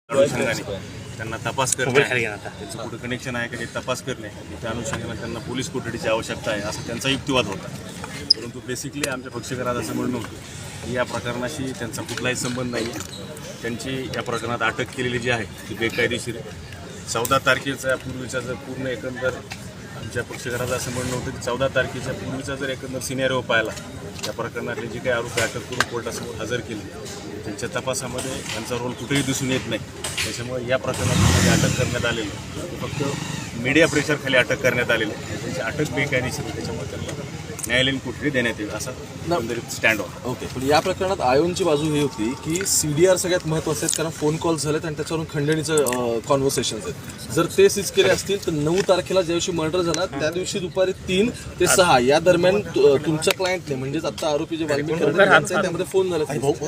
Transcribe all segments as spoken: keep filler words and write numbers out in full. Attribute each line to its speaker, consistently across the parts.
Speaker 1: अनुषंगाने त्यांना तपास करणे, त्यांचं कुठं कनेक्शन आहे का हे तपास करणे, त्या अनुषंगाने त्यांना पोलीस कोठडीची आवश्यकता आहे असा त्यांचा युक्तिवाद होता. परंतु बेसिकली आमच्या पक्षकारात असं म्हणणं होतं की या प्रकरणाशी त्यांचा कुठलाही संबंध नाही आहे. त्यांची या प्रकरणात अटक केलेली जी आहे ती बेकायदेशीर आहे. चौदा तारखेचा पूर्वीचा जर पूर्ण एकंदर आमच्या पक्षकाराचं असं म्हणणं होतं की चौदा तारखेच्या पूर्वीचा जर एकंदर सिनेरिओ पाहिला या प्रकरणातले जे काही आरोपी अटक करून कोर्टासमोर हजर केले त्यांच्या तपासामध्ये त्यांचा रोल कुठेही दिसून येत नाही. त्याच्यामुळे या प्रकरणामध्ये अटक करण्यात आलेलं फक्त मीडिया प्रेशरखाली अटक करण्यात आलेलं त्यांची अटक बेकायदेशीर आहे. त्याच्यामुळे त्यांना न्यायालयीन कोठडी देण्यात येईल असा एकंदरीत स्टँड होता.
Speaker 2: ओके, पण या प्रकरणात आयोनची बाजू ही होती की सी डी आर सगळ्यात महत्त्वाचे आहेत, कारण फोन कॉल झालेत आणि त्याच्यावरून खंडणीचं कॉन्व्हर्सेशन्स आहेत. जर ते सीज केले असतील तर नऊ तारखेला ज्या दिवशी मर्डर झाला त्या दिवशी दुपारी तीन ते सहा या दरम्यान तुमच्या क्लायंटने म्हणजेच आता आरोपी जे वाल्मिकी त्यामध्ये फोन झाले.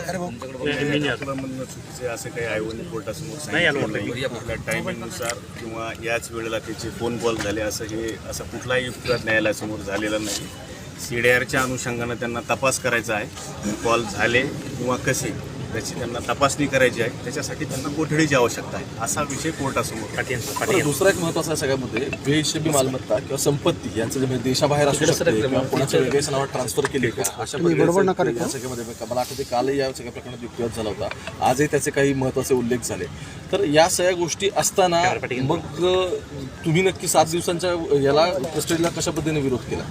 Speaker 1: चुकीचे असं काही आयोगाने कोर्टासमोर सांगितलं नाही. आपल्या टायमिंगनुसार किंवा याच वेळेला त्याचे फोन कॉल झाले असं हे असा कुठलाही युक्तिवाद न्यायालयासमोर झालेला नाही. सी डी आरच्या अनुषंगानं त्यांना तपास करायचा आहे. कॉल झाले किंवा कसे त्याची त्यांना तपासणी करायची आहे. त्याच्यासाठी त्यांना कोठडीची आवश्यकता आहे असा विषय कोर्टासमोर.
Speaker 2: दुसरा एक महत्त्वाचा सगळ्यामध्ये बेहिशेबी मालमत्ता किंवा संपत्ती यांचं जे देशाबाहेर असू शकते किंवा कोणाच्या वेगळ्याच नावात ट्रान्सफर केली का अशा प्रकारे या सगळ्यामध्ये मला आठवते कालही या सगळ्या प्रकरणात युक्तिवाद झाला होता. आजही त्याचे काही महत्त्वाचे उल्लेख झाले. तर या सगळ्या गोष्टी असताना मग तुम्ही नक्की सात दिवसांच्या याला कस्टडीला कशा पद्धतीने विरोध केला?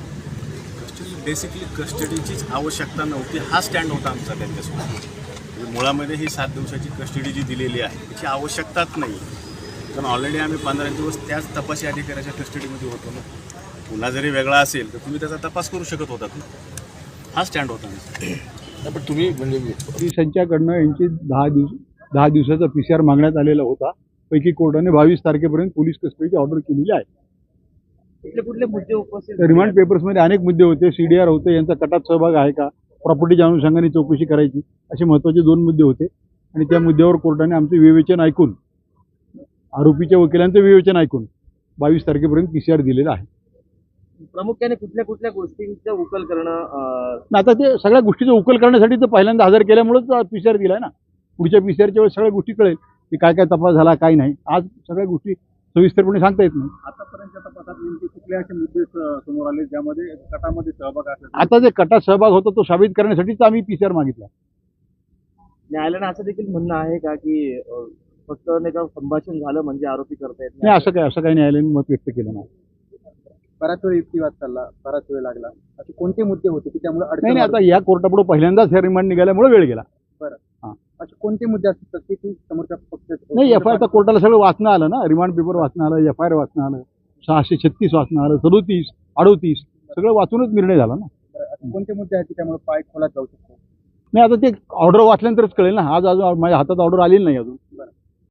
Speaker 1: बेसिकली कस्टडीचीच आवश्यकता नव्हती हा स्टँड होता आमचा त्यांच्यासोबत. मुळामध्ये ही सात दिवसाची कस्टडी जी दिलेली आहे त्याची आवश्यकताच नाही. कारण ऑलरेडी आम्ही पंधरा दिवस त्याच तपासी अधिकाऱ्याच्या कस्टडीमध्ये होतो ना. पुन्हा जरी वेगळा असेल तर तुम्ही त्याचा तपास करू शकत होतात ना. हा स्टँड होता आमचा.
Speaker 2: पण तुम्ही म्हणजे
Speaker 3: पोलिसांच्याकडनं यांची दहा दिवस दहा दिवसाचा पी सी आर मागण्यात आलेला होता. पैकी कोर्टाने बावीस तारखेपर्यंत पोलीस कस्टडीची ऑर्डर केलेली आहे.
Speaker 4: कुठले कुठले मुद्दे उपस्थित
Speaker 3: रिमांड पेपर्समध्ये अनेक मुद्दे होते. सी डी आर होते, यांचा कटात सहभाग आहे का, प्रॉपर्टीच्या अनुषंगाने चौकशी करायची, असे महत्त्वाचे दोन मुद्दे होते. आणि त्या मुद्द्यावर कोर्टाने आमचे विवेचन ऐकून आरोपीच्या वकिलांचं विवेचन ऐकून बावीस तारखेपर्यंत पी सी आर दिलेला आहे.
Speaker 4: प्रामुख्याने कुठल्या कुठल्या गोष्टींचा उकल करणं?
Speaker 3: आता ते सगळ्या गोष्टीचा उकल करण्यासाठी तर पहिल्यांदा हजर केल्यामुळेच पी सी आर दिला आहे ना. पुढच्या पी सी आरच्या वेळेस सगळ्या गोष्टी कळेल की काय काय तपास झाला काय नाही. आज सगळ्या गोष्टी सविस्तरपणे सांगता येत नाही.
Speaker 5: आतापर्यंतच्या तपासात नेमके कुठले असे मुद्दे समोर आले ज्यामध्ये कटामध्ये सहभाग असेल?
Speaker 3: आता जे कटात सहभाग होता तो साबित करण्यासाठीच आम्ही पी सी आर मागितला.
Speaker 4: न्यायालयानं असं देखील म्हणणं आहे का की अं, फक्त नाही का संभाषण झालं म्हणजे आरोपी करता येत
Speaker 3: नाही, असं काय असं काही न्यायालयाने मत व्यक्त केलं नाही.
Speaker 5: बराच वेळ युक्तिवाद चालला, बराच वेळ लागला. असे कोणते मुद्दे होते की त्यामुळे
Speaker 3: नाही नाही आता या कोर्टापुढे पहिल्यांदाच हे रिमांड निघाल्यामुळे वेळ गेला.
Speaker 5: बरं, असे कोणते मुद्दे असतात की ती समोरच्या पक्ष
Speaker 3: नाही, एफ आय आर कोर्टाला सगळं वाचणं आलं ना. रिमांड पेपर वाचणं आलं, एफ आय आर वाचणं आलं, सहाशे छत्तीस वाचणं आलं, सदोतीस अडोतीस सगळं वाचूनच निर्णय झाला ना.
Speaker 5: असे कोणते मुद्दे आहेत की त्यामुळे पाय खोलात जाऊ शकतो?
Speaker 3: नाही, आता ते ऑर्डर वाचल्यानंतरच कळेल ना. आज अजून माझ्या हातात ऑर्डर आलेली नाही अजून.